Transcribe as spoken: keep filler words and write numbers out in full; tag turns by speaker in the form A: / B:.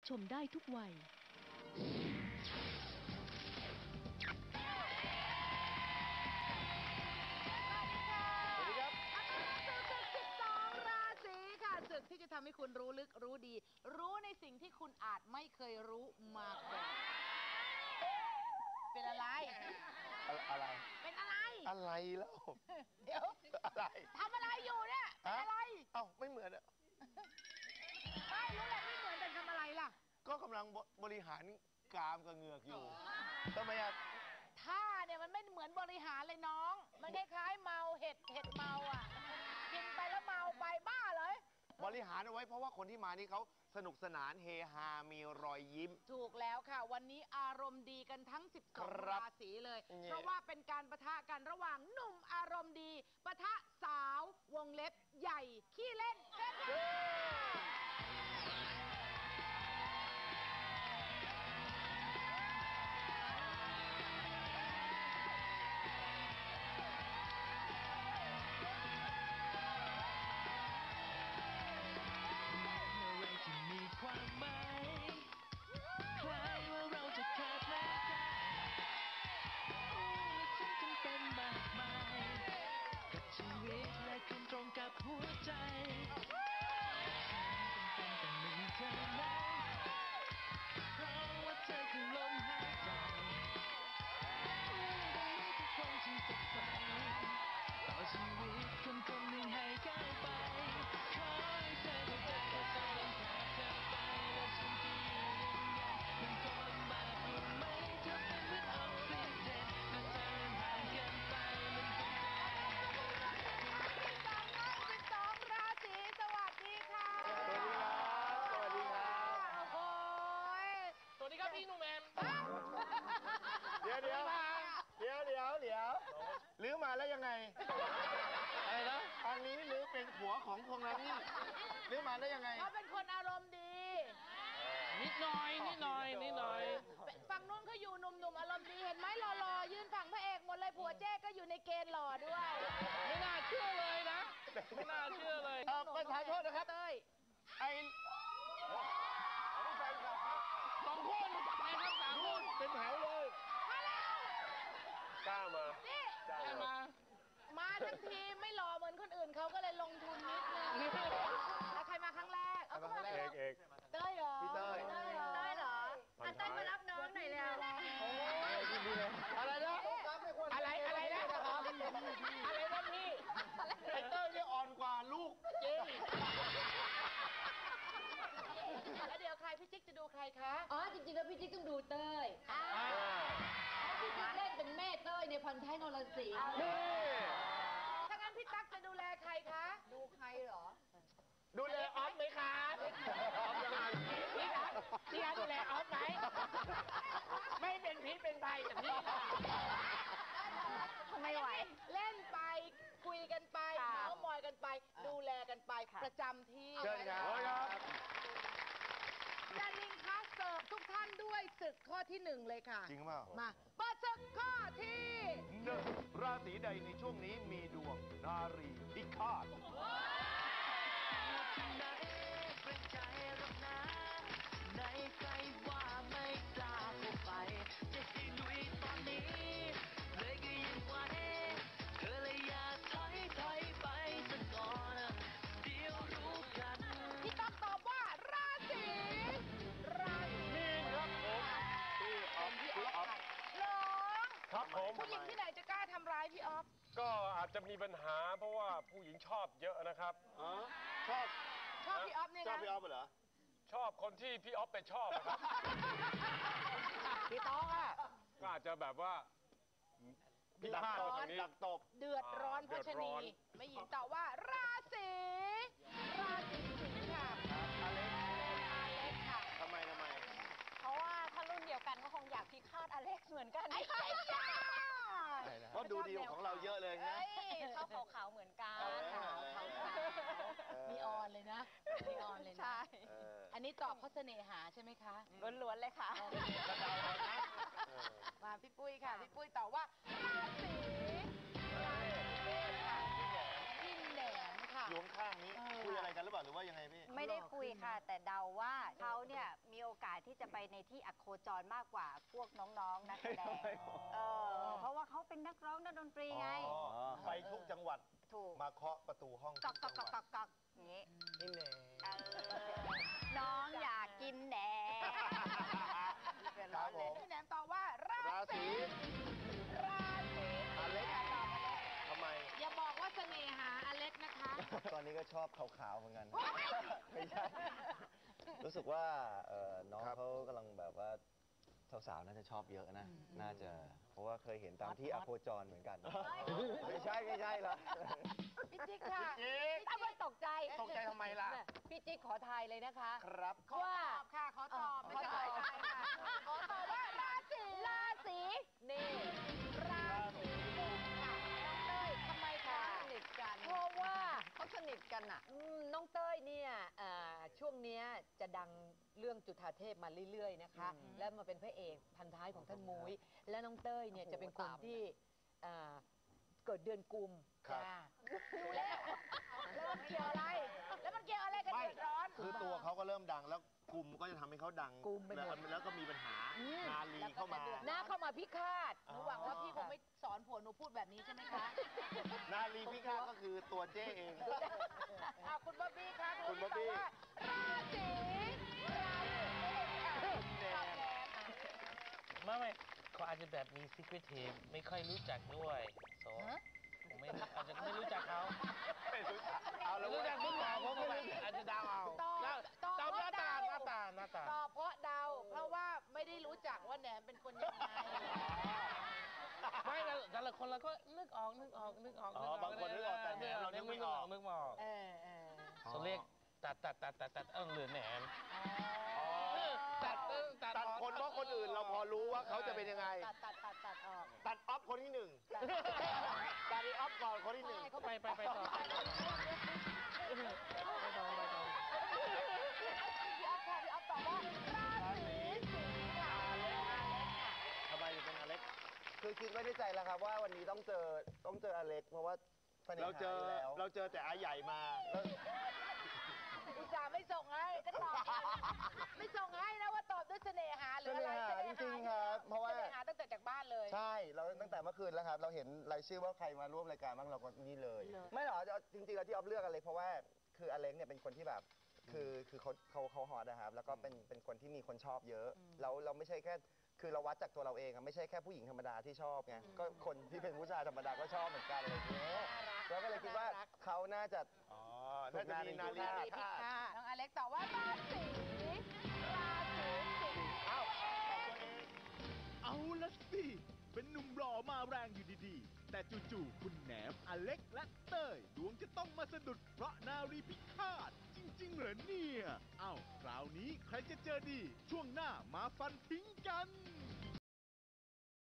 A: ชมได้ทุกวัย
B: ศึกที่จะทำให้คุณรู้ลึกรู้ดีรู้ในสิ่งที่คุณอาจไม่เคยรู้มาก่อนเป็นอะไร
C: อะไร
B: เป็นอะไร
C: อะไรแล้ว
B: เดี๋ยว
C: อะไร
B: ทำอะไรอยู่เนี่ยเป็นอะไร
C: เอ้าไม่เหมือนอะ
B: ไม่รู้แหละไม่เหมือนแต่ทำอะไรล่ะ
C: ก็กำลังบริหารกรามกับเหงือกอยู่ทำไมอะ
B: ท่าเนี่ยมันไม่เหมือนบริหารเลยน้องมันคล้ายๆเมาเห็ดเห็ดเมาอ่ะกินไปแล้วเมาไปบ้าเลย
C: บริหารเอาไว้เพราะว่าคนที่มานี่เขาสนุกสนานเฮฮามีรอยยิ้ม
B: ถูกแล้วค่ะวันนี้อารมณ์ดีกันทั้งสิบสองราศีเลยเพราะว่าเป็นการปะทะกันระหว่างหนุ่มอารมณ์ดีปะทะสาววงเล็บใหญ่ขี้เล่นเซ่
D: ความหมายคล้ายว่าเราจะขาดแลกกันและฉันจำเป็นมากมายกับชีวิตและคุณตรงกับหัวใจฉันจำเป็นต้องมีเธอนั้นเพราะว่าเธอคือลมหายใจทุกคนที่สดใสต่อชีวิตคนคนหนึ่งให้ก้าวไปขอให้เธอเข้าใจว่าฉันต้องการเธอไปและฉันจะอยู่ยังไงมันคงลำบากอยู่ไหมเธอเป็นเหมือนออกซิเจนเมื่อเธอห่างกันไปมันคงจะ
B: สิบสองท่านสิบสองราศีสวัสดีค่ะ
C: สวัสดีครับสวัสดีครับ
B: โอ้ย
D: สวัสดีครับพี่หนุ่มแมม
C: เดี๋ยวเดี๋ยวเดี๋ยวเดี๋ยวเดี๋ยวลื้อมาแล้วยังไงอะไรนะทางนี้ลื้อเป็นผัวของพงษ์นี่ลื้อมาได้ยังไง
B: เขาเป็นคนอารมณ์ดี
D: นิดหน่อยนิดหน่อยนิดหน่อย
B: ฝั่งนู้นเขาอยู่หนุ่มๆอารมณ์ดีเห็นไหมหล่อๆยืนฝั่งพระเอกหมดเลยผัวเจ๊ก็อยู่ในเกณฑ์หล่อด้วย
D: ไม่น่าเชื่อเลยนะไม่น่าเชื่อเลย
C: ประธานโทษนะครับ
B: เต้ย
C: ไอ้
D: สองคนนะครับสามคน
C: เป็นแถวเลย
B: มาแล้ว
C: กล้ามา
B: นี่
D: กล้ามา
B: มาทั้งทีไม่หล่อเหมือนคนอื่นเขาก็เลยลงทุนนิดนึงแล้วใครมาครั้งแรกเอา
C: เอกเอก
B: เต้ยเหรอ
C: พี่เต้ย
B: เต้ยเหรอเต้ยเหรออ่ะเต้ยมารับน้องหน่อยเลยอะไร
C: อะไรนะ
B: อะไรอะไรนะอะไรนะพี่
C: ไอ้เต้ยนี่อ่อนกว่าลูก
B: จริงแล้วเดี๋ยวใครพี่จิ๊กจะดูใครคะ
E: อ๋อจริงๆแล้วพี่จิ๊กต้องดูเต้ยพี่จิ๊กเล่นเป็นแม่เต้ยในพันท้ายนรสิงห์
B: ถ้างั้นพี่ตั๊กจะดูแลใครคะดูใครเหรอ
C: ดูแลออฟไหมคะออฟยังไง
B: พี่ตั๊กพี่ตั๊กดูแลออฟไหมไม่เป็นพิษเป็นภัยแต่พี่ไม่ไหวเล่นไปคุยกันไปเมาส์มอยกันไปดูแลกันไปประจำที่
C: เชิญครับ
B: ดาริงคะเสิร์ฟทุกท่านด้วยศึกข้อที่หนึ่งเลยค่ะ
C: จริงเปล่า
B: มาเปิดศึกข้อที่
C: หนึ่งราศีใดในช่วงนี้มีดวงนารีพิฆาต
D: ในใจว่าไม่กล้าเข้าไปจะให้ลุยตอนนี้เลยก็ยังไหวเธอเลยอย่าถอยถอยไปสักก่อนเดี๋ยวรู้กัน
B: พี่ต้องตอบว่าราศีราศี
C: มีนครับผมพี่ออฟพี่ออฟ
B: หรอ
C: ครับผม
B: ผู้หญิงที่ไหนจะกล้าทำร้ายพี่ออฟ
F: ก็อาจจะมีปัญหาเพราะว่าผู้หญิงชอบเยอะนะครับ
C: ชอบ
B: ชอบพี่ออฟเนี่ยนะ
C: ชอบพี่ออฟเหรอ
F: ชอบคนที่พี่ออฟไปชอบครับ
B: พี่ต้องอ่ะ
F: ก็อาจจะแบบว่า
C: พี่ดักตบดักตบ
B: เดือดร้อนเพราะชนีไม่หญิงตอบว่าราศีราศีสิงค์ค่ะ
C: อาเล็ก
B: อาเล็กค่ะ
C: ทำไมทำไม
E: เพราะว่าถ้ารุ่นเดียวกันก็คงอยากพิฆาตอเล็กเหมือนกัน
B: ไอ้ยา
C: เพราะดูดีของเราเยอะเลยนะ
E: เขาขาวๆเหมือนกัน
B: ขาวขาวมีออนเลยนะมีออนเลยนะ
E: ใช่
B: อันนี้ตอบเพราะเสน่หาใช่ไหมคะ
E: ล้วนๆเลยค่ะ
B: มาพี่ปุ้ยค่ะพี่ปุ้ยตอบว่าราศีราศีเมษค่ะพี่แหนมค่ะ
C: อยู่ข้างนี้คุยอะไรกันหรือเปล่าหรือว่ายังไงพี่
E: ไม่ได้คุยค่ะแต่เดาว่าเขาเนี่ยมีโอ
A: ที่จะไปในที่อโคจรมากกว่าพวกน้องๆนักแสดงเออเพราะว่าเขาเป็นนักร้องนักดนตรีไง
C: อ๋อไปทุกจังหวัด
A: ถูก
C: มาเคาะประตูห้อง
A: กอกก
C: ทุ
A: อก
C: จั
A: ก
C: ง
A: อก
C: ห
A: ก
C: วั
A: อ
C: ด
A: กกอกอย่างงี้
C: นี่แน่
A: เออน้องอยากกินแหนเดือดร้อนเลย
B: พี่แหนมตอบว่ารา
C: ราศี
B: ราศี
C: อเล็ก
B: ตอบอเล็ก
C: ทำไม
B: อย่าบอกว่าเสน่หาอเล็กนะคะ
C: ตอนนี้ก็ชอบขาวๆเหมือนกัน ไม่ใช่ รู้สึกว่าเอ่อน้องเขากำลังแบบว่าสาวๆน่าจะชอบเยอะนะ น่าจะ เพราะว่าเคยเห็นตามที่อโคจรเหมือนกัน ไม่ใช่ไม่ใช่หรอก
E: พี่จิ๊กค่ะ
C: จิ๊ก
E: พี่จิ๊กตกใจ
C: ตกใจทำไมล่ะ
E: พี่จิ๊กขอทายเลยนะคะ
C: ครับ
B: ขอตอบค่ะ ขอตอบ ไม่ใช่ขอทายค่ะ ขอตอบว่าราศี
E: ราศีนี่
B: ราศีกุมค่ะ
E: น้องเต้ยทำไมคะสนิทกัน เพราะว่า
A: เขาสนิทกันอ่ะ
E: อืมน้องเต้ยเนี่ยเอ่อช่วงเนี้ยจะดังเรื่องจุฑาเทพมาเรื่อยๆนะคะ แล้วมาเป็นพระเอกพันท้ายของท่านมุ้ย และน้องเต้ยเนี่ยจะเป็นคนที่เอ่อเกิดเดือนกุม
C: ครับ
E: จ้า
B: ดูแล้ว แล้วมันเกี่ยวอะไร แล้วมันเกี่ยวอะไรกับ
C: ไม่
B: เดือดร้อน
C: คือตัวเขาก็เริ่มดังแล้วกลุ่มก็จะทำให้เขาดัง
E: กลุ่มไปหมด
C: แล้วแล้วก็มีปัญหา นาลีเข้ามา
E: หน้าเข้ามาพิฆาต
B: หนูหวังว่าพี่คงไม่สอนผัวหนูพูดแบบนี้ใช่ไหมคะ
C: นาลีพิฆาตก็คือตัวเจ้เอง
B: อ่ะคุณบ๊อบบี้คะ
C: คุณบ๊อบบี้
B: ตว่าราศีราศีค่ะ
C: แนน
G: ไม่ไม่เขาอาจจะแบบมี secret tape ไม่ค่อยรู้จักด้วยโซผมไม่รู้อาจจะไม่รู้จักเขา
C: ไม่รู้จักเอาแล้ว
G: รู้
C: เว้ย
G: จักเพิ่งบอกผมก็อาจจะเดาเอา
B: ตอบ
G: แล้ว
B: ตอบ
G: ตอบหน้าตา
B: เพ
G: หน้า
B: ระ
G: ตาหน้าตา
B: ตอบเพราะเดา เพราะว่าไม่ได้รู้จักว่าแหนมเป็นคนยังไง
G: ไม่แต่แต่ละคนเราก็นึกออกนึกออกนึกออก
C: อ๋อบางคนนึกออกแต่แหนมเรานึกไม่ออก
G: นึกไม่ออก
B: เออเออ
G: เขาเรียกตัดตัดตัดตัดตัดเอิงหรือแหนมตัดเอิ้งตัด
C: ตัดคนเพราะคนอื่นเราพอรู้ว่าเขาจะเป็นยังไง
B: ตัดตัดตัดตัดออก
C: ตัดออฟคนที่หนึ่งตัดออฟก่อนคนที่หนึ่ง
G: ไปไปไปต่อไปต่อไปต่อ
B: พี่อ๊อฟค่ะพี่อ๊อฟตอบว่าราศีสิงห์ค่ะ
C: ทำไมถึงเป็นอเล็ก คือคิดไว้ในใจแล้วครับว่าวันนี้ต้องเจอต้องเจออเล็ก เพราะว่าเราเจอเราเจอแต่อาใหญ่มาแล้ว
B: อุตส่าห์ไม่ส่งให้ก็ตอบก่อนไม่ส่งให้นะว่าตอบด้วยเสน่หาหรืออะไร
C: เสน่หาจริงๆครับเพราะว่า
B: เสน่หาตั้งแต่จากบ้านเลย
C: ใช่เราตั้งแต่เมื่อคืนแล้วครับ เราเห็นรายชื่อว่าใครมาร่วมรายการบ้างเราก็นี่เลย ไม่หรอกจริงๆแล้วที่ออฟเลือกอเล็กเพราะว่าคืออเล็กเนี่ยเป็นคนที่แบบคือคือเขาเขาเขาฮอตนะครับแล้วก็เป็นเป็นคนที่มีคนชอบเยอะแล้วเราไม่ใช่แค่คือเราวัดจากตัวเราเองอะไม่ใช่แค่ผู้หญิงธรรมดาที่ชอบไงก็คนที่เป็นผู้ชายธรรมดาก็ชอบเหมือนกันอะไรอย่างเงี้ยเราก็เลยคิดว่าเขาน่าจะอ๋อน่าจะมีนาลี
B: พิฆาตน้องอเล็กตอบว่าราศีราศีสิงห์
C: เอ้า
H: เอาละสิ เป็นหนุ่มหล่อมาแรงอยู่ดีๆ แต่จู่ๆ คุณแหนมอเล็กและเต้ยดวงจะต้องมาสะดุดเพราะนารีพิฆาต จริงๆเหรอเนี่ย เอ้า คราวนี้ใครจะเจอดี ช่วงหน้ามาฟันทิ้งกัน